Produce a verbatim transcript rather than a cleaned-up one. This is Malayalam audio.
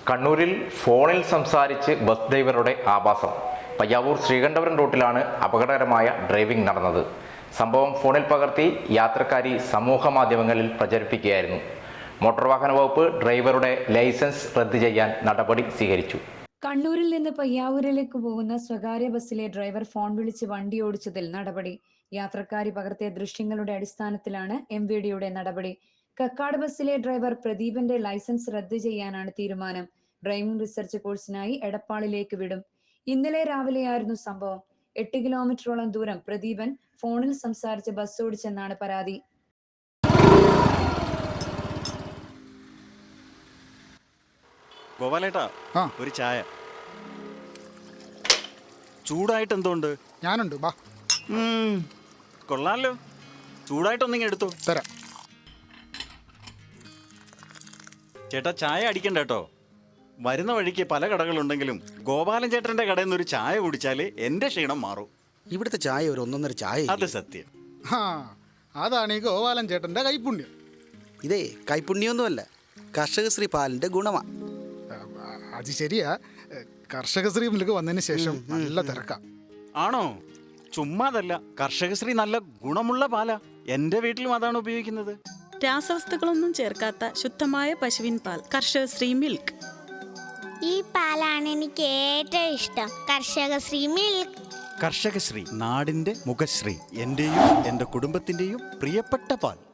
കണ്ണൂരിൽ ഫോണിൽ സംസാരിച്ച് ബസ് ഡ്രൈവറുടെ ആഭാസം. പയ്യാവൂർ ശ്രീകണ്ഠപുരം റൂട്ടിലാണ് അപകടകരമായ ഡ്രൈവിംഗ് നടന്നത്. സംഭവം ഫോണിൽ പകർത്തി യാത്രക്കാരി സമൂഹ മാധ്യമങ്ങളിൽ പ്രചരിപ്പിക്കുകയായിരുന്നു. മോട്ടോർ വാഹന വകുപ്പ് ഡ്രൈവറുടെ ലൈസൻസ് റദ്ദ് ചെയ്യാൻ നടപടി സ്വീകരിച്ചു. കണ്ണൂരിൽ നിന്ന് പയ്യാവൂരിലേക്ക് പോകുന്ന സ്വകാര്യ ബസ്സിലെ ഡ്രൈവർ ഫോൺ വിളിച്ച് വണ്ടി ഓടിച്ചതിൽ നടപടി. യാത്രക്കാരി പകർത്തിയ ദൃശ്യങ്ങളുടെ അടിസ്ഥാനത്തിലാണ് എം വി ഡിയുടെ നടപടി. കക്കാട് ബസ്സിലെ ഡ്രൈവർ പ്രദീപന്റെ ലൈസൻസ് റദ്ദ് ചെയ്യാനാണ് തീരുമാനം. ഡ്രൈവിംഗ് റിസർച്ച് കോഴ്സിനായി എടപ്പാളിലേക്ക് വിടും. ഇന്നലെ രാവിലെയായിരുന്നു സംഭവം. എട്ട് കിലോമീറ്ററോളം ദൂരം പ്രദീപൻ ഫോണിൽ സംസാരിച്ച് ബസ് ഓടിച്ചെന്നാണ് പരാതി. ഗോപാലേട്ടാ, ഒരു ചായ. ചൂടായിട്ട് എന്തുകൊണ്ട്? ഞാനുണ്ട്, ബാ. കൊള്ളാലോ, ചൂടായിട്ടൊന്നിങ്ങനെ എടുത്തോ. തരാം. ചേട്ടാ, ചായ അടിക്കണ്ട കേട്ടോ. വരുന്ന വഴിക്ക് പല കടകളുണ്ടെങ്കിലും ഗോപാലൻ ചേട്ടന്റെ കടയിൽ നിന്ന് ഒരു ചായ കുടിച്ചാല് എന്റെ ക്ഷീണം മാറും. ഇവിടുത്തെ ചായ ഒരു ഒന്നൊന്നര ചായ. അത് സത്യം. ആ, അതാണ് ഈ ഗോപാലൻ ചേട്ടന്റെ കൈപ്പുണ്യം. ഇതേ കൈപ്പുണ്യൊന്നുമല്ല, കർഷകശ്രീ പാലിന്റെ ഗുണമാ. അത് ശരിയാ. കർഷകശ്രീ മിൽക്ക് വന്നതിന് ശേഷം നല്ല തിരക്കാം. ആണോ? ചുമ്മാതല്ല, കർഷകശ്രീ നല്ല ഗുണമുള്ള പാലാ. എന്റെ വീട്ടിലും അതാണ് ഉപയോഗിക്കുന്നത്. രാസവസ്തുക്കളൊന്നും ചേർക്കാത്ത ശുദ്ധമായ പശുവിൻ പാൽ, കർഷകശ്രീ മിൽക്ക്. ഈ പാലാണ് എനിക്ക് ഏറ്റവും ഇഷ്ടം, കർഷകശ്രീ മിൽക്ക്. കർഷകശ്രീ, നാടിന്റെ മുഖശ്രീ, എന്റെയും എന്റെ കുടുംബത്തിന്റെയും പ്രിയപ്പെട്ട പാൽ.